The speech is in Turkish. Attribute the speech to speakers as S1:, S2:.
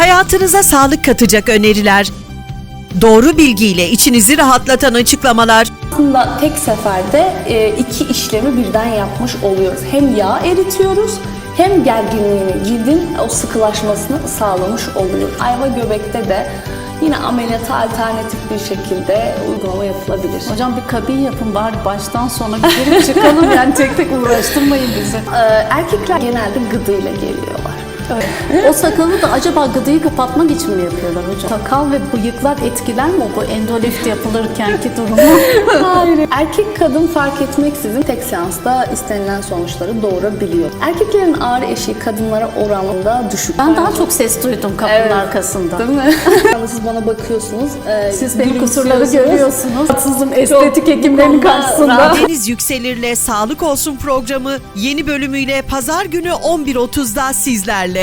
S1: Hayatınıza sağlık katacak öneriler, doğru bilgiyle içinizi rahatlatan açıklamalar,
S2: Aslında tek seferde iki işlemi birden yapmış oluyoruz. Hem yağ eritiyoruz hem gerginliğini, cildin o sıkılaşmasını sağlamış oluyoruz. Ayva göbekte de yine ameliyata alternatif bir şekilde uygulama yapılabilir.
S3: Hocam bir kabin yapın bari baştan sona girip çıkalım, yani tek tek uğraştırmayın bizi.
S2: Erkekler genelde gıdıyla geliyorlar.
S3: O sakalı da acaba gıdıyı kapatmak için mi yapıyorlar hocam? Sakal ve bıyıklar etkiler mi bu endolift yapılırkenki durumu?
S2: Hayır. Erkek kadın fark etmeksizin tek seansta istenilen sonuçları doğurabiliyor. Erkeklerin ağrı eşiği kadınlara oranında düşük.
S3: Ben daha çok ses duydum kapının
S2: Evet.
S3: arkasında.
S2: Değil mi? Siz bana bakıyorsunuz.
S3: Siz benim
S2: gülümsüyorsunuz.
S3: kusurları görüyorsunuz. Haksızım estetik hekimlerin karşısında.
S1: Deniz Yükselir'le Sağlık Olsun programı yeni bölümüyle Pazar günü 11.30'da sizlerle.